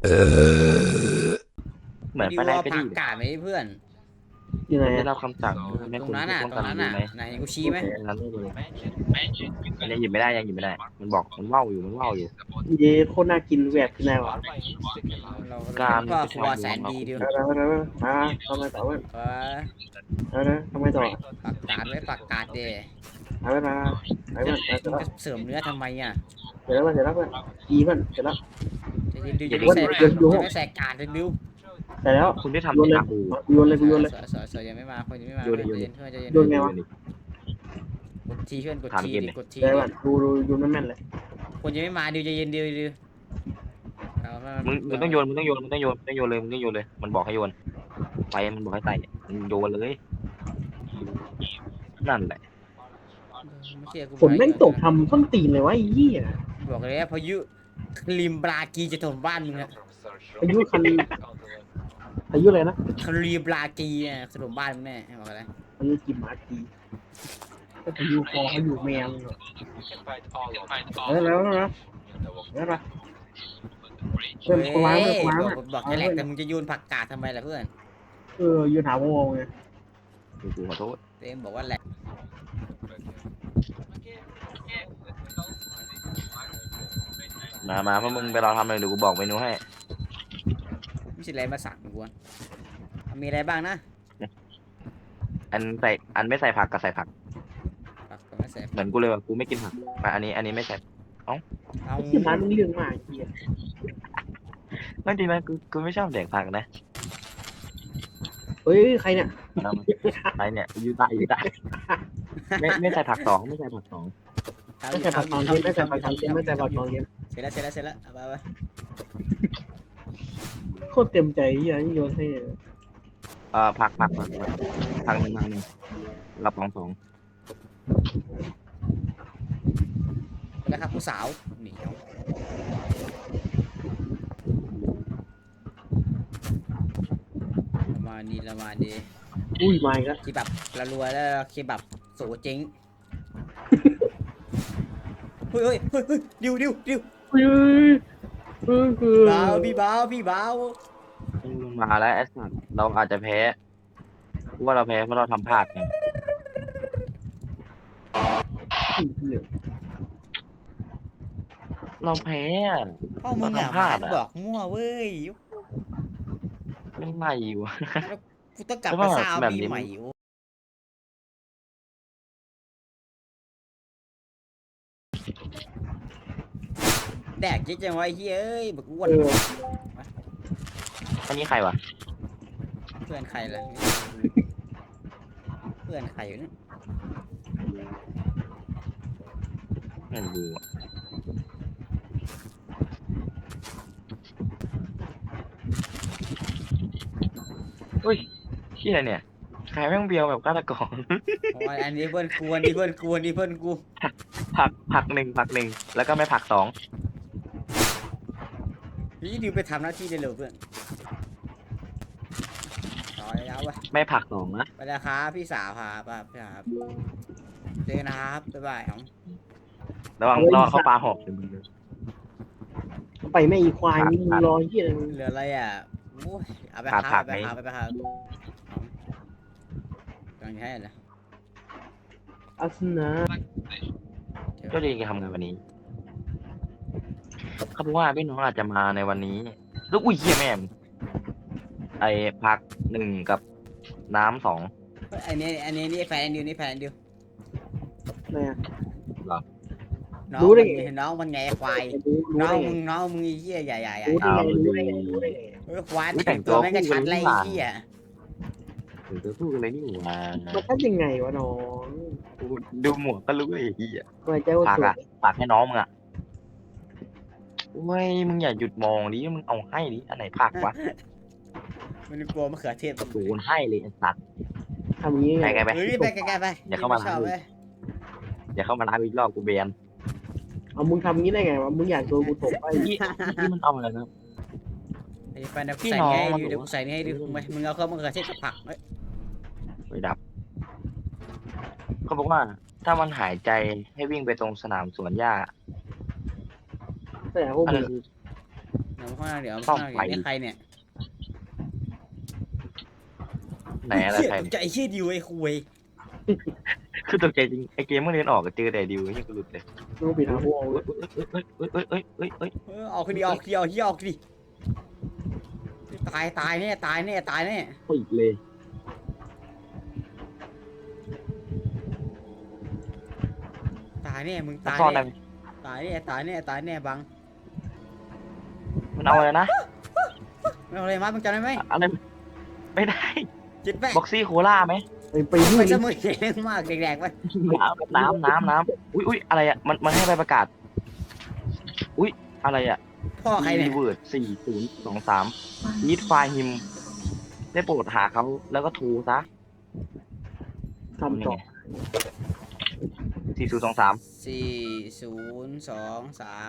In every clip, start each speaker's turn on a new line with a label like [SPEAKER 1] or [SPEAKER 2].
[SPEAKER 1] เหมือน
[SPEAKER 2] ดิ
[SPEAKER 1] ไปไหนไปดี
[SPEAKER 2] วเอาผักกาดไหมเพื่อน
[SPEAKER 3] ยังไง
[SPEAKER 1] มันได้
[SPEAKER 3] อะ
[SPEAKER 1] รับคำสั่งให้
[SPEAKER 2] ตรง
[SPEAKER 1] คุณ
[SPEAKER 2] นั้นอ่ะ
[SPEAKER 1] ผู้ป้องกัน
[SPEAKER 2] ตรงนั้นอ่ะ
[SPEAKER 1] รู้ไหม
[SPEAKER 2] ไหนกูชี้ไหม
[SPEAKER 1] นั้นได้เลยอันนี้หยิบไม่ได้ยังหยิบไม่ได้มันบอกมันว่าวอยู่มันว่าวอยู่
[SPEAKER 3] เย่โคตรน่ากินแหวกที่ไหนวะ
[SPEAKER 2] เรา
[SPEAKER 1] การ
[SPEAKER 2] เป็นพ่อ
[SPEAKER 1] เป็น
[SPEAKER 2] ครัวแสนดีดิว
[SPEAKER 3] มาทำไมต่อวะ
[SPEAKER 2] เออ
[SPEAKER 3] ทำไมต่อ
[SPEAKER 2] ผักกาดไว้ผักกาดเด
[SPEAKER 3] มาไปมันเสร็จ
[SPEAKER 2] มึง
[SPEAKER 3] แล้ว
[SPEAKER 2] จะเสริมเนื้อทำไมอ่ะ
[SPEAKER 3] เสร็จแล้วเสร็จแล้วอีมันเสร็จแล้ว
[SPEAKER 2] จะดิว
[SPEAKER 1] อย่า
[SPEAKER 2] จะไม่ใส่ผักจะไม่ใส่กาดดิว
[SPEAKER 3] เสร็จแล้ว
[SPEAKER 1] คุณได้ทำ
[SPEAKER 3] โยนเลย
[SPEAKER 1] ในอาบู
[SPEAKER 3] โยนเลยกูโยนเลย
[SPEAKER 2] สวยยังไม่มาคนยังไม่มา
[SPEAKER 1] โยนเลย
[SPEAKER 2] เพื่อนเพื่อนใจเย็น
[SPEAKER 3] โยนไงวะ
[SPEAKER 2] กดทีเพื่อนกดทีดิกดที
[SPEAKER 3] แต่ว่าดูโยนแม่นเลย
[SPEAKER 2] คนยังไม่มาดิวใจเย็นดิว
[SPEAKER 1] มึงต้องโยนเลยมึงต้องโยนเลยมันบอกให้โยนไปมันบอกให้ใส่มึงโยนเลยนั่นแหละ
[SPEAKER 2] ไม่เชื่อกู
[SPEAKER 3] ฝนแม่งตกทำต้นตีนเลยวะไอ้ยี่อ่ะ
[SPEAKER 2] บอกเลยพายุคลิมบรากีจะถมบ้านมึงอะ
[SPEAKER 3] อายุคันอายุอะไรนะ
[SPEAKER 2] คลีบรากีอะถล่มบ้านมึงแน่บอกอะไร
[SPEAKER 3] อายุกี่มาทีก็อายุคอเขาอยู่แมวแล้วนะเพื่อนคนร้ายเพื่อนคนร้าย
[SPEAKER 2] บอกจะแหลกแต่มึงจะโยนผักกาดทำไมล่ะเพื่อน
[SPEAKER 3] ยืนหาวงไง
[SPEAKER 1] กูขอโทษ
[SPEAKER 2] เต็มบอกว่าแหลก
[SPEAKER 1] มาเพราะมึงไปรอทำเลยเดี๋ยวกูบอกเมนูให้
[SPEAKER 2] ไม่ใช่อะไรมาสั่งกูมีอะไรบ้างนะ
[SPEAKER 1] อันไม่ใส่ผักกับใส่ผัก
[SPEAKER 2] ผักก็ไม่ใส่
[SPEAKER 1] เหมือนกูเลยว่ากูไม่กินผักมาอันนี้ไม่ใส่
[SPEAKER 2] เอา
[SPEAKER 3] ที่ร้านเรื่องมากเฮีย
[SPEAKER 1] ไม่ดีไหมกูไม่ชอบแดกผักนะ
[SPEAKER 3] เฮ้ยใครเนี่ย
[SPEAKER 1] ไปเนี่ยยูตาไม่ใส่ผักสองไม่ใส่ผักสอง
[SPEAKER 3] ไม่ใส่ผักตองเย็นไม่ใส่ผักตองเย็นไม่ใส่ผักตองเย็น
[SPEAKER 2] เสร็จแล้วเอาไป
[SPEAKER 3] โคตรเต็มใจเฮียนี่โยนให้
[SPEAKER 1] ผักหนึ่งรับสอง
[SPEAKER 2] แล้วครับผู้สาวเหนียวละมาดี
[SPEAKER 3] อุ้ยมาอีกแล้ว
[SPEAKER 2] คีบับละรัวแล้วคีบับโสเจ๊งเฮ้ยดิวเบาพี่เบา
[SPEAKER 1] มาแล้วไอ้สัตว์เราอาจจะแพ้กูว่าเราแพ้เพราะเราทำพลาดไงเราแพ้อะ
[SPEAKER 2] พ่อมึงอ่ะบอกมั่วเว้ย
[SPEAKER 1] ไม่ไหม่วะ
[SPEAKER 2] กูต้องกลับไปซาวปีใหม่แดกเยอะจังวะไอ้เฮ้ยบักอ้วน
[SPEAKER 1] อันนี้ใครวะ
[SPEAKER 2] เพื่อนใครล่ะเพื่อนใครอยู่เนี่ย
[SPEAKER 1] ไม่รู้อะเฮ้ยเชี่ยเนี่ยใครแม่งเบียวแบบฆาตกร
[SPEAKER 2] อันนี้เพื่อนกูอันนี้เพื่อนกู
[SPEAKER 1] ผักหนึ่งแล้วก็ไม่ผักสอง
[SPEAKER 2] นี่ดิวไปทำหน้าที่ได้เลยเพื่อนต่อแล้ววะ
[SPEAKER 1] ไม่ผักสองนะ
[SPEAKER 2] ไปแล้วครับพี่สาวครับพี่ครับเจอนะครับบ๊ายบายครับ
[SPEAKER 1] ระวังเข้าปลาหอกเดี๋ยวมึง
[SPEAKER 3] ไปไม่อีควายนี่มึงรอเฮียอะไร
[SPEAKER 2] เหลืออะไรอ่ะโอ้ยเอาไปครับยังไงล่ะ
[SPEAKER 3] อัสนะ
[SPEAKER 1] ก็ดีกันทำงานวันนี้เขาบอกว่าพี่น้องอาจจะมาในวันนี้แล้วอุ้ยเฮียแม่งไอ้ผักหนึ่งกับน้ำสอง
[SPEAKER 2] อันนี้แฟนดิวนี่แฟนดิว
[SPEAKER 3] เนี่ย
[SPEAKER 2] น้องมันไงควายน้องมึงไอ้เหี้ยใหญ่
[SPEAKER 3] รู้ได้ไง
[SPEAKER 2] ควายแต่งตัวแม่งกระชัดไรไอ้เหี้ย
[SPEAKER 1] ถึงจะพูดอะไรนี่หว่า
[SPEAKER 3] มันทำยังไงวะน้อง
[SPEAKER 1] ดูหมวกก็รู้ไอ้เหี้ย
[SPEAKER 3] ทำไมเจ้า
[SPEAKER 1] ผัก
[SPEAKER 3] สว
[SPEAKER 1] อะ
[SPEAKER 3] ย
[SPEAKER 1] ผักให้น้องมึงอะเว้ยมึงอย่าหยุดมองดิมึงเอาให้ดิอันไหนผักวะ
[SPEAKER 2] มันกลัวมะเขือเทศ
[SPEAKER 1] โดนให้เลยไอ้สัตว์
[SPEAKER 3] ทำอย่างนี้ไง
[SPEAKER 1] ไป
[SPEAKER 2] เฮ้ยไปไกลไป
[SPEAKER 1] อย่าเข้ามา
[SPEAKER 2] ชอบเลย
[SPEAKER 1] อย่าเข้ามาร้านอีกรอบกูเบียน
[SPEAKER 3] เอามึงทำงี้ได้ไงวะมึงอยากโดนกูตบไป
[SPEAKER 1] ที่มันเอาอะไรนะ
[SPEAKER 2] ไอ้แฟนใส่ให้ดิวเดี๋ยวกูใส่นี่ให้ดิวมึงเอาเข้ามะเขือเทศกับผักเฮ้ย
[SPEAKER 1] ไปดับเขาบอกว่า ถ้ามันหายใจให้วิ่งไปตรงสนามสวนหญ้า
[SPEAKER 3] แต่พวก
[SPEAKER 1] อัน
[SPEAKER 3] มึ
[SPEAKER 1] นั้
[SPEAKER 3] ง
[SPEAKER 1] นคือ
[SPEAKER 2] เดี๋ยวข้างหน้าเดี๋ยวข้างหน้าเดี๋ยวนี่ใครเนี่ย
[SPEAKER 1] ไหนอะไร
[SPEAKER 2] เหี้ย
[SPEAKER 1] ใคร
[SPEAKER 2] ตกใจเชี่ยดิวไอ้คุย
[SPEAKER 1] คือตกใจจริงไอเกมเมื่อเรียนออกก็เจอแต่ดิวนี่กูหลุดเลย
[SPEAKER 3] ดูปิดหาพวก
[SPEAKER 1] เอ้ย
[SPEAKER 2] ออกคดีออกคดีออกคดีออกคดีตายแน่ตายแน่ตายแน่
[SPEAKER 1] ปิดเลย
[SPEAKER 2] ตายแน่มึงตาย
[SPEAKER 1] ซ่อนอะไร
[SPEAKER 2] แน่ตายแน่ตายแน่ตายแน่บัง
[SPEAKER 1] มันเอาอะไรนะ
[SPEAKER 2] ไม่เอาอะไรมามึงจำได้ไหม
[SPEAKER 1] อะไรไม่ได้
[SPEAKER 2] จิตแม่
[SPEAKER 1] บ็อกซี่โคล่าไหม
[SPEAKER 3] ไป
[SPEAKER 2] ไป
[SPEAKER 3] นู่น
[SPEAKER 2] สมุยเรื่องมากแดกๆไป
[SPEAKER 1] น้ำอุ้ยอะไรอ่ะมันให้ใบประกาศอุ้ยอะไรอ่ะ
[SPEAKER 2] พ่อใครเนี่ย
[SPEAKER 1] เวิร์ด4023ยีดไฟล์ฮิมได้โปรดหาเขาแล้วก็ทูซะ
[SPEAKER 3] ทำต่อ
[SPEAKER 1] 4023
[SPEAKER 2] 4023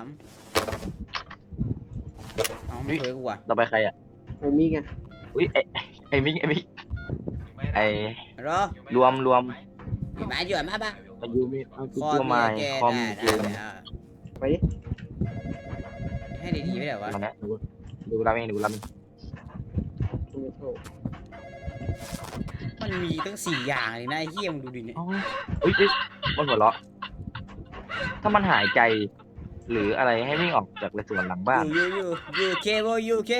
[SPEAKER 2] เอาไม่เคยกูอ่ะ
[SPEAKER 1] ต่อไปใครอ่ะ
[SPEAKER 3] ไอ้นี่ไง
[SPEAKER 1] อุ้ยไอ้มิกไอ้
[SPEAKER 2] รอ
[SPEAKER 1] รวม
[SPEAKER 2] อยู่มาอยู่มาบ้า
[SPEAKER 1] อายุมีอายุ
[SPEAKER 2] คอ
[SPEAKER 1] ตัว
[SPEAKER 2] มี
[SPEAKER 1] ไม้
[SPEAKER 2] แก
[SPEAKER 1] คอม
[SPEAKER 2] ได้
[SPEAKER 1] เกม
[SPEAKER 3] ไปดิ
[SPEAKER 2] ให้ดีๆไม่ได้วะ
[SPEAKER 1] มาเนี้ยดูราเองดูราเอง
[SPEAKER 3] ไม่โทษ
[SPEAKER 2] มันมีตั้ง4อย่างเลยนะไอ้เหี้ยมึงดูดิเนี่ย
[SPEAKER 1] อุ้ยมันหัวเราะถ้ามันหายใจ หรืออะไรให้วิ่งออกจากในส่วนหลังบ้าน
[SPEAKER 2] อยู่เคโบอยู่เค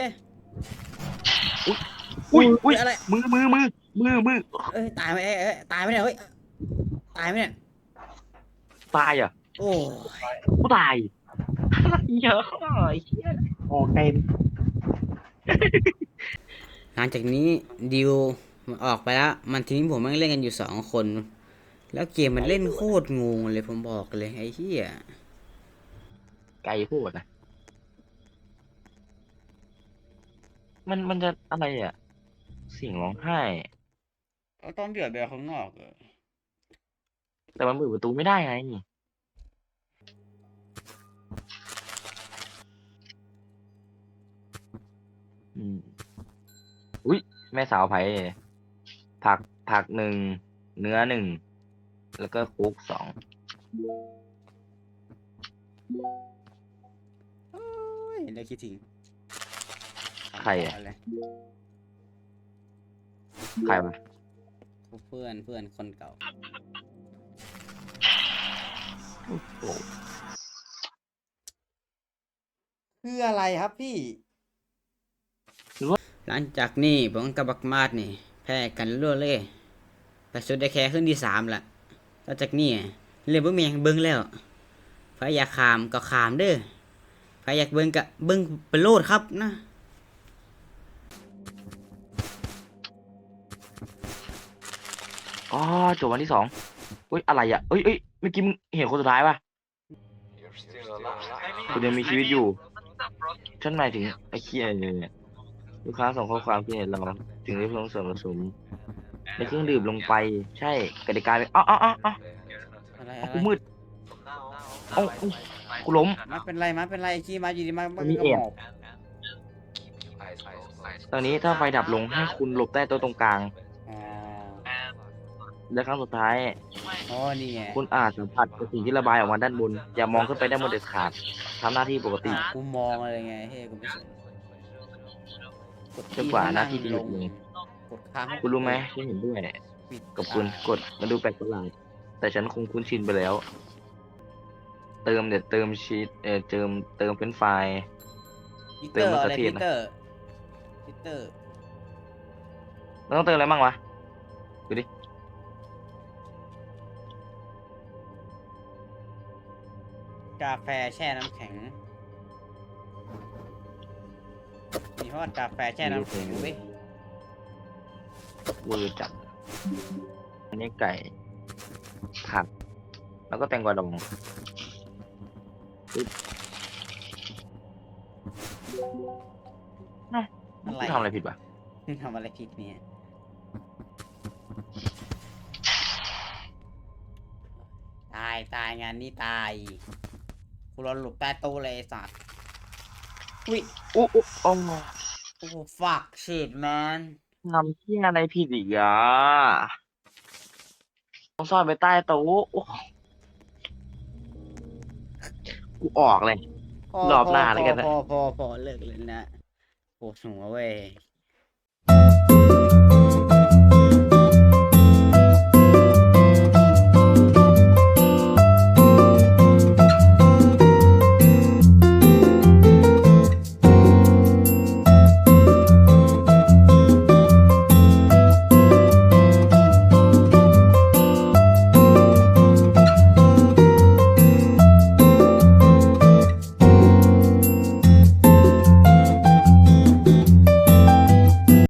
[SPEAKER 1] อุ้ย
[SPEAKER 2] อะไร
[SPEAKER 1] มือ
[SPEAKER 2] เอ้ยตายไหมเอ้ยตายไหมเนี่ยเฮ้ยตายไหมเนี่ย
[SPEAKER 1] ตายอ่ะ
[SPEAKER 2] โอ้
[SPEAKER 1] กูตายเยอะไอ้เหี้ย
[SPEAKER 3] ออกเต็ม
[SPEAKER 2] หลังจากนี้ดิวมันออกไปแล้วมันทิ้งผมแม่งเล่นกันอยู่2 คน แล้วเกมมันเล่นโคตรงงเลยผมบอกเลยไอ้เหี้ย
[SPEAKER 1] ไกลพูดนะมันจะอะไรอ่ะเสียงร้องไห้
[SPEAKER 2] ต้องเดือดแบบข้างนอก
[SPEAKER 1] แต่มันเปิดประตูไม่ได้ไงอุ้ยแม่สาวไผ่ผัก1 เนื้อ1 แล้วก็คุก2
[SPEAKER 2] โอ้ยเดี๋ยวคิดถึง
[SPEAKER 1] ใครอะ ใครวะ
[SPEAKER 2] เพื่อนคนเก่า
[SPEAKER 1] โอ้โห
[SPEAKER 2] คืออะไรครับพี่ หลังจากนี้ผมกับบักมาดนี่แพ้กันรั่วเลยแต่สุดได้แค่ขึ้นที่3ละต่อจากนี้เรียกเบิ้งแมงเบิ้งแล้วใครอยากขามก็ขามเด้อใครอยากเบิ้งก็เบิ้งไปโลดครับนะ
[SPEAKER 1] อ๋อจบวันที่2อุ้ยอะไรอ่ะเอ้ยเมื่อกี้มึงเห็นคนสุดท้ายป่ะคุณยังมีชีวิตอยู่ฉันหมายถึงไอ้เคียเนี่ยลูกค้าส่งข้อความที่เห็นเราถึงได้ลงส่วนผสมในเครื่องดื่มลงไปใช่กติกาเป็นอ๋อ
[SPEAKER 2] อะไร
[SPEAKER 1] กูมืดเอ้ากูล้ม
[SPEAKER 2] มาเป็นไรขี้มาอยู่ดีมา
[SPEAKER 1] มีแอบ ตอนนี้ถ้าไฟดับลงให้คุณหลบใต้โต๊ะตรงกลาง
[SPEAKER 2] อ๋อ
[SPEAKER 1] และครั้งสุดท้าย
[SPEAKER 2] อ๋อนี่ไง
[SPEAKER 1] คุณอาจสัมผัสกับสิ่งที่ระบายออกมาด้านบน อย่ามองขึ้นไปด้านบนเด็ดขาดทำหน้าที่ปกติ
[SPEAKER 2] กูมองอะไรไงเฮ้ยกูไม่สนกด
[SPEAKER 1] จนกว่าหน้าที่จะหยุดลง
[SPEAKER 2] กดค้าง
[SPEAKER 1] คุณรู้ไหมฉันเห็นด้วย
[SPEAKER 2] ปิด
[SPEAKER 1] กับคุณกดมันดูแปลกประหลาดแต่ฉันคงคุ้นชินไปแล้ว เติมชีสเติมเป็นไฟล์
[SPEAKER 2] พีเตอร์อะไร
[SPEAKER 1] เติ
[SPEAKER 2] พี
[SPEAKER 1] มมะเขือเทศนะ
[SPEAKER 2] เตอร์พีเตอร์
[SPEAKER 1] มันต้องเติมอะไรบ้างวะดูดิ
[SPEAKER 2] กาแฟแช่น้ำแข็งมีทอดกาแฟแช่น้ำแข็งเว้ย
[SPEAKER 1] เวอร์จัดอันนี้ไก่ผักแล้วก็แตงกวาดองปึ๊บ
[SPEAKER 2] อะไร
[SPEAKER 1] ทำอะไรผิดวะ
[SPEAKER 2] ทำอะไรผิดเนี่ยตายงานนี้ตายกูรอหลบใต้โต๊ะเลยไอ้สัตว์อุ้ย
[SPEAKER 1] อุ๊โอ้
[SPEAKER 2] โอ้ฟักชิดแมน
[SPEAKER 1] ทำที่อะไรผิดอีกอ่ะต้องซ่อนไปใต้โต๊ะโอ้กูออกเลย
[SPEAKER 2] โอ้
[SPEAKER 1] รอบหน้าแล้วกันนะ
[SPEAKER 2] พอเลิกเลยนะปวดหัวเว้ย